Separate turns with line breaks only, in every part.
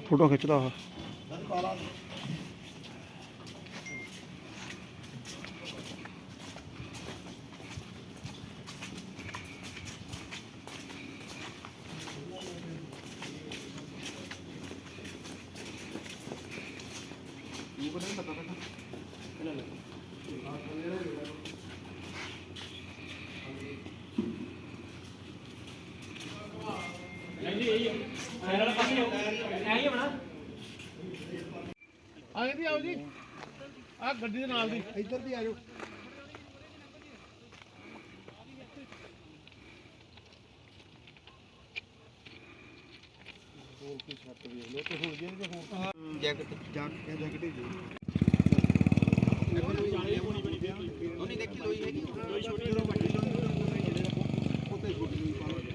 Photo खिंचदा वा।
ਆਏ ਦੀ ਆਓ ਜੀ ਆ ਗੱਡੀ ਦੇ ਨਾਲ ਦੀ ਇੱਧਰ ਦੀ ਆਜੋ। ਬੋਲ ਕੇ ਛੱਟ ਵੇਖ ਲਓ ਤੇ ਹੁਣ ਜੇ ਹੋਰ ਜੈਕਟ ਹੀ ਜੀ ਉਹਨੇ ਦੇਖੀ ਲੋਈ ਹੈਗੀ ਲੋਈ ਛੋਟੀ ਵੱਡੀ ਉੱਤੇ ਛੋਟੀ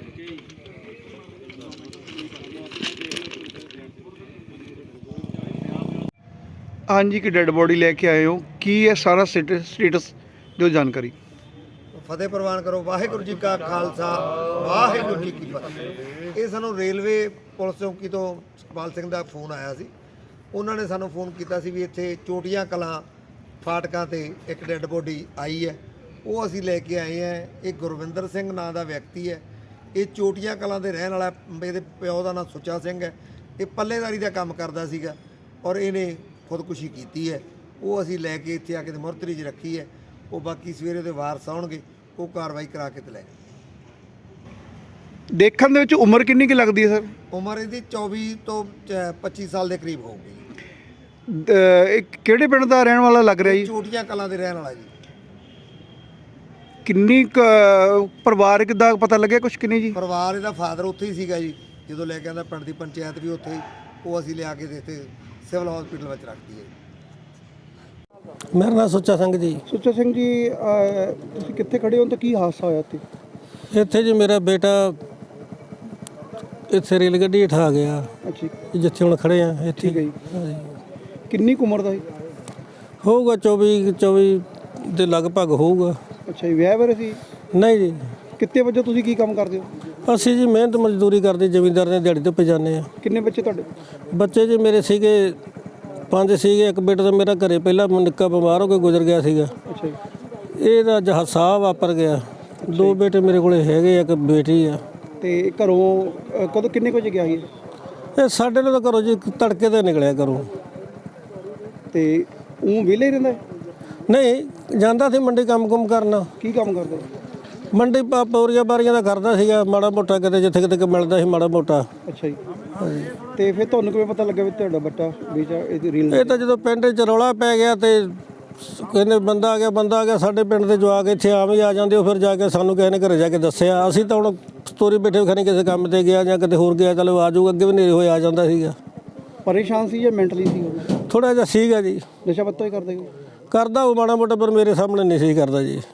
हाँ जी, की डेड बॉडी लेके आए हो, की है सारा स्टेटस जो जानकारी।
ਫਤਿਹ ਪ੍ਰਵਾਨ ਕਰੋ। ਵਾਹਿਗੁਰੂ ਜੀ ਕਾ ਖਾਲਸਾ ਵਾਹਿਗੁਰੂ ਜੀ ਕੀ ਫਤਿਹ। ਇਹ ਸਾਨੂੰ ਰੇਲਵੇ ਪੁਲਿਸ ਚੌਕੀ ਤੋਂ ਸੁਖਪਾਲ ਸਿੰਘ ਦਾ ਫੋਨ ਆਇਆ ਸੀ। ਉਹਨਾਂ ਨੇ ਸਾਨੂੰ ਫੋਨ ਕੀਤਾ ਸੀ ਵੀ ਇੱਥੇ ਚੋਟੀਆਂ ਕਲਾਂ ਫਾਟਕਾਂ ਤੇ ਇੱਕ ਡੈੱਡ ਬੋਡੀ ਆਈ ਹੈ, ਉਹ ਅਸੀਂ ਲੈ ਕੇ ਆਏ ਹਾਂ। ਇਹ ਗੁਰਵਿੰਦਰ ਸਿੰਘ ਨਾਂ ਦਾ ਵਿਅਕਤੀ ਹੈ। ਇਹ ਚੋਟੀਆਂ ਕਲਾਂ ਦੇ ਰਹਿਣ ਵਾਲਾ। ਇਹਦੇ ਪਿਓ ਦਾ ਨਾਂ ਸੁੱਚਾ ਸਿੰਘ ਹੈ। ਇਹ ਪੱਲੇਦਾਰੀ ਦਾ ਕੰਮ ਕਰਦਾ ਸੀਗਾ ਔਰ ਇਹਨੇ ਖੁਦਕੁਸ਼ੀ ਕੀਤੀ ਹੈ। ਉਹ ਅਸੀਂ ਲੈ ਕੇ ਇੱਥੇ ਆ ਕੇ ਮੁਰਤਰੀ 'ਚ ਰੱਖੀ ਹੈ। ਉਹ ਬਾਕੀ ਸਵੇਰੇ ਦੇ ਵਾਰਸ ਆਉਣਗੇ, ਉਹ ਕਾਰਵਾਈ ਕਰਾ ਕੇ ਤੇ ਲੈ
देखने ਵਿੱਚ ਉਮਰ ਕਿੰਨੀ ਕੀ ਲੱਗਦੀ ਹੈ ਸਰ?
ਉਮਰ ਇਹਦੀ 24 ਤੋਂ 25 ਸਾਲ ਦੇ ਕਰੀਬ ਹੋਊਗੀ।
ਕਿਹੜੇ ਪਿੰਡ ਦਾ ਰਹਿਣ ਵਾਲਾ ਲੱਗ ਰਿਹਾ ਜੀ?
ਚੋਟੀਆਂ ਕਲਾਂ ਦੇ ਰਹਿਣ ਵਾਲਾ ਜੀ।
ਕਿੰਨੀ ਪਰਿਵਾਰਕ ਦਾ ਪਤਾ ਲੱਗਿਆ ਕੁਛ ਕਿੰਨੀ ਜੀ?
ਪਰਿਵਾਰ ਇਹਦਾ ਫਾਦਰ ਉੱਥੇ ਹੀ ਸੀਗਾ ਜੀ ਜਦੋਂ ਲੈ ਕੇ ਆਂਦਾ। ਪਿੰਡ ਦੀ ਪੰਚਾਇਤ ਵੀ ਉੱਥੇ ਹੀ, ਉਹ ਅਸੀਂ ਲਿਆ ਕੇ ਇੱਥੇ ਸਿਵਲ ਹਸਪੀਟਲ ਵਿੱਚ ਰੱਖਤੀ ਹੈ।
मेरा नाम सुच्चा सिंह जी।
ਸੁੱਚਾ ਸਿੰਘ ਜੀ, ਤੁਸੀਂ ਕਿੱਥੇ ਖੜੇ ਹੋ ਤਾਂ ਕੀ ਹਾਦਸਾ ਹੋਇਆ ਇੱਥੇ?
ਇੱਥੇ ਜੀ ਮੇਰਾ ਬੇਟਾ ਇੱਥੇ ਰੇਲ ਗੱਡੀ ਹੇਠਾਂ ਆ ਗਿਆ,
ਅੱਛਾ
ਜਿੱਥੇ ਹੁਣ ਖੜੇ ਆ ਇੱਥੇ।
ਠੀਕ ਹੈ ਜੀ।
ਹਾਂਜੀ।
ਕਿੰਨੀ ਕੁ ਉਮਰ ਦਾ ਸੀ?
ਹੋਊਗਾ 24 ਦੇ ਲਗਭਗ ਹੋਊਗਾ।
ਅੱਛਾ ਜੀ, ਵਿਆਹ ਬਾਰੇ ਸੀ?
ਨਹੀਂ ਜੀ,
ਕਿੱਤੇ ਵਜੇ ਤੁਸੀਂ ਕੀ ਕੰਮ ਕਰਦੇ ਹੋ?
ਅਸੀਂ ਜੀ ਮਿਹਨਤ ਮਜ਼ਦੂਰੀ ਕਰਦੇ, ਜ਼ਮੀਂਦਾਰ ਨੇ ਦਿਹਾੜੀ ਤੇ ਪਜਾਨੇ ਆ।
ਕਿੰਨੇ ਬੱਚੇ ਤੁਹਾਡੇ?
ਬੱਚੇ ਜੀ ਮੇਰੇ ਸੀਗੇ 5 ਸੀਗੇ। ਇੱਕ ਬੇਟਾ ਤਾਂ ਮੇਰਾ ਘਰੇ ਪਹਿਲਾਂ ਨਿੱਕਾ ਬਿਮਾਰ ਹੋ ਕੇ ਗੁਜ਼ਰ ਗਿਆ ਸੀਗਾ।
ਅੱਛਾ ਜੀ।
ਇਹਦਾ ਹਾਦਸਾ ਵਾਪਰ ਗਿਆ। 2 ਬੇਟੇ ਮੇਰੇ ਕੋਲੇ ਹੈਗੇ, ਇੱਕ ਬੇਟੀ ਆ।
ਤੇ ਘਰੋਂ ਕਦੋਂ ਕਿੰਨੇ ਕੁ ਵਜੇ ਗਿਆ ਸੀ?
ਇਹ ਸਾਡੇ ਨਾਲ ਤਾਂ ਘਰੋਂ ਜੀ ਤੜਕੇ ਤੇ ਨਿਕਲਿਆ ਘਰੋਂ।
ਤੇ ਉਹ ਵਿਹਲੇ ਹੀ ਰਹਿੰਦਾ?
ਨਹੀਂ, ਜਾਂਦਾ ਸੀ ਮੰਡੀ ਕੰਮ ਕਰਨਾ।
ਕੀ ਕੰਮ ਕਰਦਾ?
ਮੰਡੀ ਪੌਰੀਆਂ ਬਾਰੀਆਂ ਦਾ ਕਰਦਾ ਸੀਗਾ, ਮਾੜਾ ਮੋਟਾ ਕਿਤੇ ਜਿੱਥੇ ਕਿਤੇ ਮਿਲਦਾ ਸੀ ਮਾੜਾ ਮੋਟਾ।
ਅੱਛਾ ਜੀ। ਤੇ ਫਿਰ ਤੁਹਾਨੂੰ ਕਿਵੇਂ ਪਤਾ ਲੱਗਾ ਵੀ ਤੁਹਾਡਾ ਬੱਚਾ ਬੇਟਾ ਇਹਦੀ ਰੀਲ?
ਇਹ ਤਾਂ ਜਦੋਂ ਪਿੰਡ 'ਚ ਰੌਲਾ ਪੈ ਗਿਆ ਤੇ ਕਹਿੰਦੇ ਬੰਦਾ ਆ ਗਿਆ। ਸਾਡੇ ਪਿੰਡ ਦੇ ਜਵਾਕ ਇੱਥੇ ਆਮ ਹੀ ਆ ਜਾਂਦੇ। ਉਹ ਫਿਰ ਜਾ ਕੇ ਸਾਨੂੰ ਕਿਸੇ ਨੇ ਘਰੇ ਜਾ ਕੇ ਦੱਸਿਆ। ਅਸੀਂ ਤਾਂ ਹੁਣ ਸਟੋਰੀ ਬੈਠੇ ਖਣੀ ਕਿਸੇ ਕੰਮ ਤੇ ਗਿਆ ਜਾਂ ਕਿਤੇ ਹੋਰ ਗਿਆ, ਚਲੋ ਆ ਜਾਊਗਾ। ਅੱਗੇ ਵੀ ਨੇਰੇ ਹੋਏ ਆ ਜਾਂਦਾ ਸੀਗਾ।
ਪਰੇਸ਼ਾਨ ਸੀ ਜਾਂ ਮੈਂਟਲੀ ਸੀ?
ਥੋੜ੍ਹਾ ਜਿਹਾ ਸੀਗਾ ਜੀ।
ਨਸ਼ਾ ਪੱਤਾ ਹੀ ਕਰਦੇ ਹੋ?
ਕਰਦਾ ਉਹ ਮਾੜਾ ਮੋਟਾ, ਪਰ ਮੇਰੇ ਸਾਹਮਣੇ ਨਹੀਂ ਸੀ ਕਰਦਾ ਜੀ।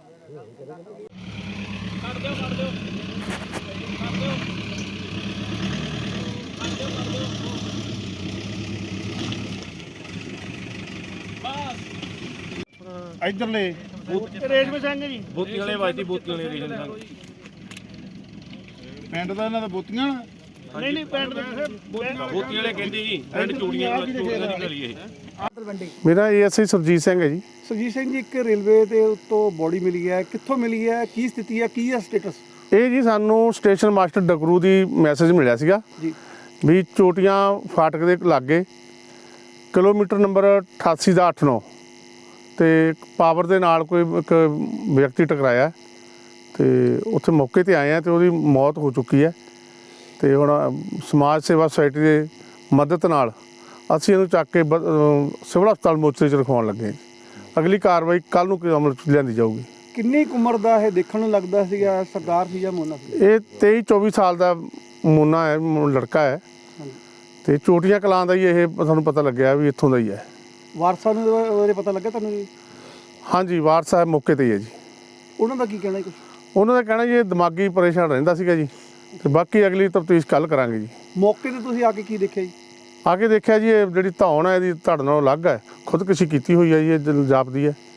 ਇੱਧਰਲੇ ਰੇਸ਼ਮ ਸਿੰਘ ਜੀ, ਬੋਤੀ ਵਾਲੇ ਵਾਜਦੀ ਬੋਤੀ ਵਾਲੇ ਰੇਸ਼ਮ ਸਿੰਘ ਪਿੰਡ ਦਾ ਇਹਨਾਂ ਦਾ ਬੋਤੀਆਂ। ਨਹੀਂ ਪਿੰਡ ਦਾ ਬੋਤੀ ਵਾਲੇ ਕਹਿੰਦੇ ਜੀ। ਪਿੰਡ ਚੂੜੀਆਂ ਦੀ ਗਲੀ ਇਹ।
ਮੇਰਾ ਏਐਸਆਈ ਸੁਰਜੀਤ ਸਿੰਘ ਹੈ ਜੀ।
ਸੁਰਜੀਤ ਸਿੰਘ ਜੀ, ਇੱਕ ਰੇਲਵੇ ਦੇ ਉੱਤੋਂ ਬੋਡੀ ਮਿਲੀ ਹੈ, ਕਿੱਥੋਂ ਮਿਲੀ ਹੈ, ਕੀ ਸਥਿਤੀ ਹੈ, ਕੀ ਹੈ ਸਟੇਟਸ?
ਇਹ ਜੀ ਸਾਨੂੰ ਸਟੇਸ਼ਨ ਮਾਸਟਰ ਡਕਰੂ ਦੀ ਮੈਸੇਜ ਮਿਲਿਆ ਸੀਗਾ
ਜੀ
ਵੀ ਚੋਟੀਆਂ ਫਾਟਕ ਦੇ ਲਾਗੇ ਕਿਲੋਮੀਟਰ ਨੰਬਰ 88 ਦਾ 89 ਤੇ ਪਾਵਰ ਦੇ ਨਾਲ ਕੋਈ ਇੱਕ ਵਿਅਕਤੀ ਟਕਰਾਇਆ ਤੇ ਉੱਥੇ ਮੌਕੇ ਤੇ ਆਏ ਆ ਤੇ ਉਹਦੀ ਮੌਤ ਹੋ ਚੁੱਕੀ ਹੈ। ਤੇ ਹੁਣ ਸਮਾਜ ਸੇਵਾ ਸੁਸਾਇਟੀ ਦੇ ਮਦਦ ਨਾਲ ਅਸੀਂ ਇਹਨੂੰ ਚੱਕ ਕੇ ਸਿਵਲ ਹਸਪਤਾਲ ਮੋਚਰੇ 'ਚ ਰਖਵਾਉਣ ਲੱਗੇ ਹਾਂ। ਅਗਲੀ ਕਾਰਵਾਈ ਕੱਲ੍ਹ ਨੂੰ ਅਮਲ 'ਚ ਲਿਆਂਦੀ ਜਾਊਗੀ।
ਕਿੰਨੀ ਕੁ ਉਮਰ ਦਾ ਇਹ ਦੇਖਣ ਨੂੰ ਲੱਗਦਾ ਸੀਗਾ? ਸਰਦਾਰ ਸੀ ਜਾਂ ਮੋਨਾ ਸੀ?
ਇਹ 23-24 ਸਾਲ ਦਾ ਮੋਨਾ ਹੈ, ਲੜਕਾ ਹੈ। ਤੇ ਚੋਟੀਆਂ ਕਲਾਂ ਦਾ ਹੀ ਇਹ ਸਾਨੂੰ ਪਤਾ ਲੱਗਿਆ ਵੀ ਇੱਥੋਂ ਦਾ ਹੀ ਹੈ।
ਵਾਰਸਾਂ ਨੂੰ ਉਹਦੇ ਪਤਾ ਲੱਗਾ ਤੁਹਾਨੂੰ ਜੀ?
ਹਾਂਜੀ, ਵਾਰਸ ਸਾਹਿਬ ਮੌਕੇ ਤੇ ਹੀ ਹੈ ਜੀ।
ਉਹਨਾਂ ਦਾ ਕੀ ਕਹਿਣਾ ਕੁਛ?
ਉਹਨਾਂ ਦਾ ਕਹਿਣਾ ਜੀ ਇਹ ਦਿਮਾਗੀ ਪਰੇਸ਼ਾਨ ਰਹਿੰਦਾ ਸੀਗਾ ਜੀ। ਤੇ ਬਾਕੀ ਅਗਲੀ ਤਫਤੀਸ਼ ਕੱਲ੍ਹ ਕਰਾਂਗੇ ਜੀ।
ਮੌਕੇ ਤੇ ਤੁਸੀਂ ਆ ਕੇ ਕੀ ਦੇਖਿਆ ਜੀ?
ਆ ਕੇ ਦੇਖਿਆ ਜੀ ਇਹ ਜਿਹੜੀ ਧੌਣ ਹੈ ਇਹਦੀ ਧੜ ਨਾਲੋਂ ਅਲੱਗ ਹੈ, ਖੁਦਕੁਸ਼ੀ ਕੀਤੀ ਹੋਈ ਹੈ ਜੀ, ਇਹ ਜਾਪਦੀ ਹੈ।